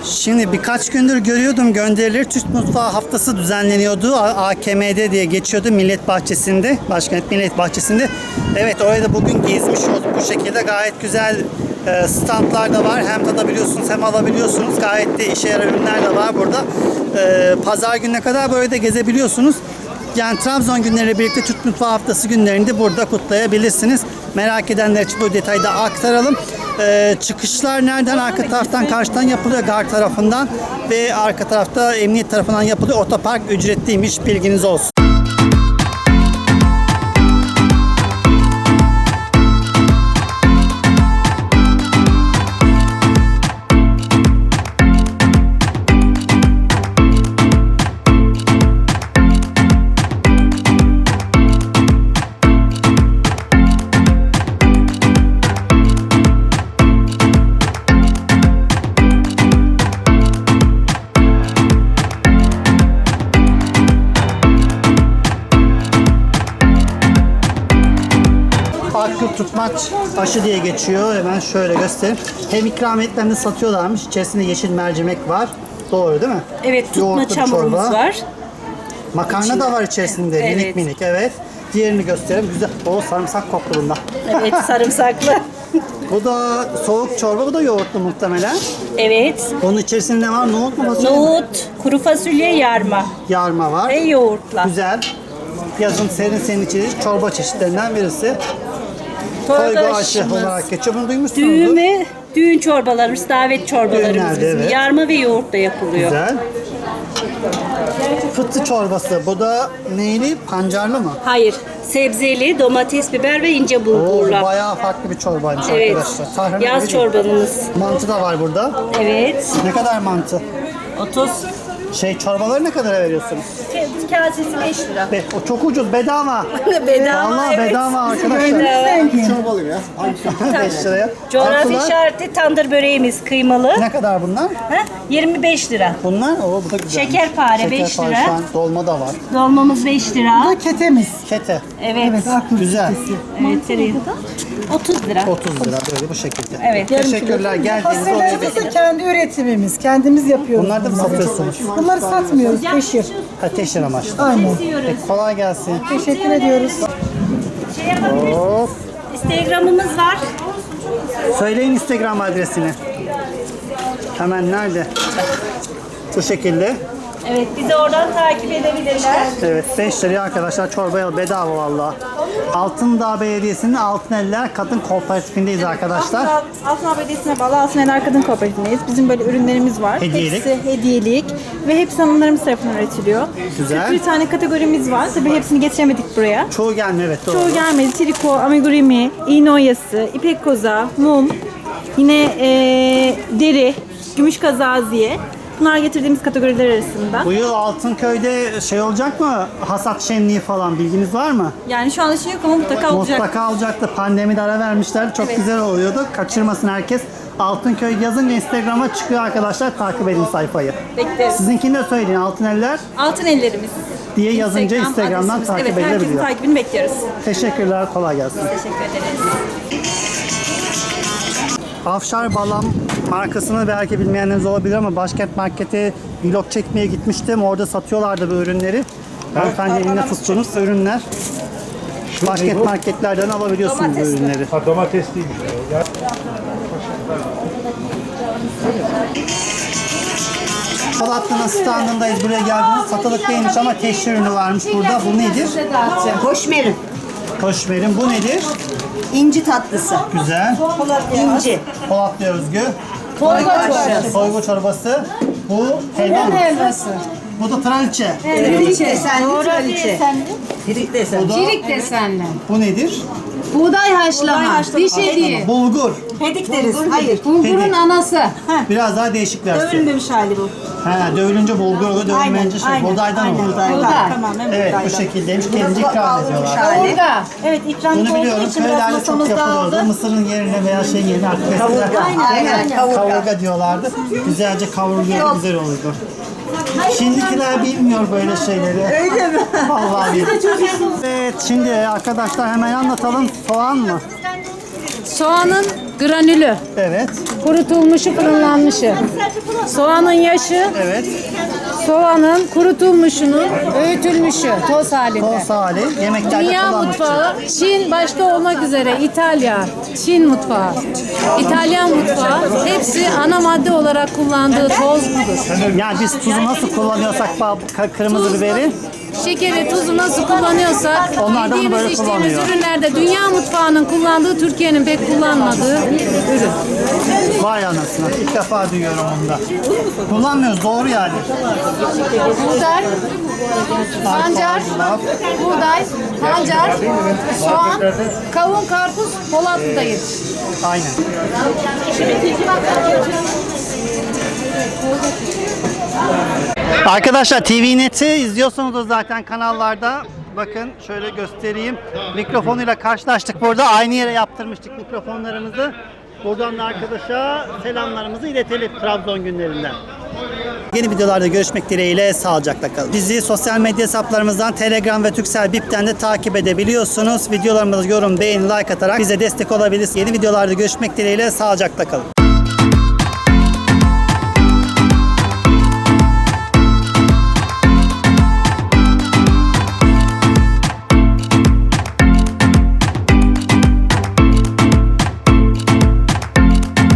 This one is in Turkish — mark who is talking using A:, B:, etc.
A: Şimdi birkaç gündür görüyordum gönderileri. Türk Mutfağı Haftası düzenleniyordu. AKM'de diye geçiyordu Millet Bahçesi'nde. Başkent Millet Bahçesi'nde. Evet, oraya da bugün gezmiş olduk bu şekilde. Gayet güzel standlar da var. Hem tadabiliyorsunuz hem alabiliyorsunuz. Gayet de işe yarar ürünler de var burada. Pazar gününe kadar böyle de gezebiliyorsunuz. Yani Trabzon günleriyle birlikte Türk Mutfağı Haftası günlerinde burada kutlayabilirsiniz. Merak edenler için bu detayı da aktaralım. Çıkışlar nereden? Arka taraftan, karşıdan yapılıyor, gar tarafından ve arka tarafta emniyet tarafından yapılıyor. Otopark ücretliymiş, bilginiz olsun. Akgül tutmaç aşı diye geçiyor. Hemen şöyle göstereyim. Hem ikramiyetlerini satıyorlarmış. İçerisinde yeşil mercimek var. Doğru değil mi?
B: Evet, tutma
A: Yoğurtlu
B: çamurumuz
A: çorba.
B: var.
A: Makarna da var içerisinde.
B: Evet.
A: Minik minik, evet. Diğerini göstereyim. Güzel. O sarımsak koktu bunda.
B: Evet, sarımsaklı.
A: Bu da soğuk çorba. Bu da yoğurtlu muhtemelen.
B: Evet.
A: Onun içerisinde ne var? Nohut mu, fasulye mi?
B: Nohut, kuru fasulye, yarma
A: Yarma var.
B: ve yoğurtla.
A: Güzel. Yazın serin içecek çorba çeşitlerinden birisi. Toygu aşı
B: aşımız.
A: olarak geçiyor. Bunu duymuşsunuzdur.
B: Düğün ve düğün çorbalarımız, davet çorbalarımız
A: Düğünlerde,
B: bizim.
A: evet.
B: Yarma ve yoğurtla yapılıyor.
A: Güzel. Fıtı çorbası. Bu da neyli? Pancarlı mı?
B: Hayır, sebzeli, domates, biber ve ince
A: Oo,
B: bulgurla.
A: bayağı farklı bir çorbaymış
B: Evet,
A: arkadaşlar. Tahmin
B: yaz
A: edeyim.
B: çorbamız.
A: Mantı da var burada.
B: Evet,
A: Ne kadar mantı?
B: 30.
A: Çorbaları ne kadara veriyorsunuz?
B: Kasesi 5 lira.
A: O çok ucuz, bedava.
B: Bedava,
A: Vallahi
B: evet.
A: bedava arkadaşlar.
B: Bedava.
C: Çorba alayım ya.
A: 5 liraya.
B: Coğrafi
A: Tatlılar
B: işareti tandır böreğimiz kıymalı.
A: ne kadar bunlar?
B: Ha? 25 lira.
A: Bunlar, bu da güzel.
B: Şekerpare 5 lira.
A: Şu an dolma da var.
B: Dolmamız 5 lira.
A: Ketemiz. Kete.
B: Evet.
A: Güzel.
B: Evet, tereyağı. 30 lira.
A: 30 lira böyle bu şekilde.
B: Evet.
A: Teşekkürler. Geldiğiniz oraya
D: Fasulyelerimiz de kendi üretimimiz. Kendimiz yapıyoruz.
A: Bunları da mı satıyorsunuz?
D: Bunları satmıyoruz. Teşhir.
A: Teşhir amaçlı.
D: Aynen.
A: Kolay gelsin.
D: Teşekkür ediyoruz.
B: Şey yapabiliriz.
A: Hop.
B: Instagram'ımız var.
A: Söyleyin Instagram adresini. Hemen nerede? Bu şekilde.
B: Evet, bizi oradan takip edebilirler.
A: Evet, 5 liraya arkadaşlar çorbaya bedava valla. Altındağ Belediyesi'nin Altıneller Kadın Kooperatifindeyiz arkadaşlar.
E: Altınoluk Belediyesi'ne bağlı Altıneller Kadın Kooperatifindeyiz. Bizim böyle ürünlerimiz var.
A: Hediyelik.
E: Hepsi hediyelik ve hepsi hanımlarımız tarafından üretiliyor.
A: Güzel.
E: 41 tane kategorimiz var. Tabii hepsini getiremedik buraya.
A: Çoğu gelmiyor, evet doğru.
E: Çoğu gelmedi. Triko, amigurumi, iğne oyası, ipek koza, mum, yine deri, gümüş kazaziye. Bunlar getirdiğimiz kategoriler arasında.
A: Bu yıl Altınköy'de olacak mı? Hasat şenliği falan bilginiz var mı?
E: Yani şu anda şey yok ama mutlaka olacak.
A: Mutlaka olacaktı. Pandemide ara vermişler. Çok güzel oluyordu. Kaçırmasın herkes. Altınköy yazınca Instagram'a çıkıyor arkadaşlar. Takip edin sayfayı.
E: Bekleriz.
A: Sizinkini de söyleyin. Altıneller
E: Altın ellerimiz.
A: diye yazınca Instagram'dan
E: adresimiz.
A: takip
E: Evet, herkesin
A: edilebiliyor.
E: takibini bekliyoruz.
A: Teşekkürler. Kolay gelsin.
E: Teşekkür ederiz.
A: Afşar Balam markasını belki bilmeyenleriniz olabilir ama Başkent Market'e vlog çekmeye gitmiştim. Orada satıyorlardı bu ürünleri. Hanımefendi elinde tuttuğunuz ürünler. Başkent marketlerden alabiliyorsunuz bu ürünleri.
C: Ha, domates değilmiş. Ya.
A: Polatlı'nın standındayız. Buraya geldiniz. Satılık değilmiş ama teşhir ürünü varmış burada. Bu nedir?
F: Hoşmerim.
A: Hoşmerim. Bu nedir?
F: İnci tatlısı.
A: Güzel.
F: İnci.
A: Polatlı özgü.
F: Torba çorbası.
A: Soygu çorbası. Bu helva mı? Bu da traliçe.
F: Pirik desenli kraliçe. Pirik desenli.
A: Bu da,
G: Pirik desenli.
A: bu nedir?
G: Buğday haşlama. Pişi değil.
A: Bulgur.
F: Pedik deriz. Hayır.
G: Bulgurun anası.
A: Biraz daha değişik versiyon.
F: Dövülmemiş hali bu.
A: Dövülünce bulgur oluyor, dövülmeyince buğdaydan oluyor.
G: Buğday.
A: Evet, bu şekildeymiş. Kendince ikram ediyorlar.
G: Kavurga.
E: Evet, ikramlık
A: Bunu
E: olduğu
A: biliyorum.
E: için biraz
A: Köylerde çok
E: masamızda
A: yapılıyordu.
E: aldı.
A: Mısırın yerine veya yerine artık eskiden
F: Aynen.
A: kavurga diyorlardı. Güzelce kavruluyor, güzel olurdu. Şimdikiler bilmiyor böyle şeyleri. Öyle mi? Vallahi bilmiyor. Evet, şimdi arkadaşlar hemen anlatalım. Soğan mı?
G: Soğanın Granülü.
A: Evet.
G: Kurutulmuşu, fırınlanmışı. Soğanın yaşı,
A: Evet.
G: soğanın kurutulmuşunun öğütülmüşü, toz halinde.
A: Toz hali. Yemeklerde
G: Dünya
A: kullanmak için.
G: mutfağı, Çin başta olmak üzere İtalya, Çin mutfağı, İtalyan mutfağı hepsi ana madde olarak kullandığı toz budur.
A: Yani biz tuzu nasıl kullanıyorsak kırmızı biberi,
G: Şekeri, tuzu nasıl kullanıyorsak
A: Onlar da bunu
G: yediğimiz
A: böyle
G: içtiğimiz
A: kullanıyor.
G: ürünlerde dünya mutfağının kullandığı Türkiye'nin pek kullanmadığı ürün.
A: vay anasını. İlk defa duyuyorum onu da. Kullanmıyoruz, doğru yani.
G: Buğday, pancar, buğday, pancar, soğan, kavun, karpuz, Polatlı'da yetişir.
A: Aynen. Arkadaşlar TV Net'i izliyorsanız da zaten kanallarda bakın şöyle göstereyim. Mikrofonuyla karşılaştık burada. Aynı yere yaptırmıştık mikrofonlarımızı. Buradan da arkadaşa selamlarımızı iletelim Trabzon günlerinden. Yeni videolarda görüşmek dileğiyle sağlıcakla kalın. Bizi sosyal medya hesaplarımızdan Telegram ve Turkcell Bip'ten de takip edebiliyorsunuz. Videolarımızı yorum, beğeni, like atarak bize destek olabilirsiniz. Yeni videolarda görüşmek dileğiyle sağlıcakla kalın.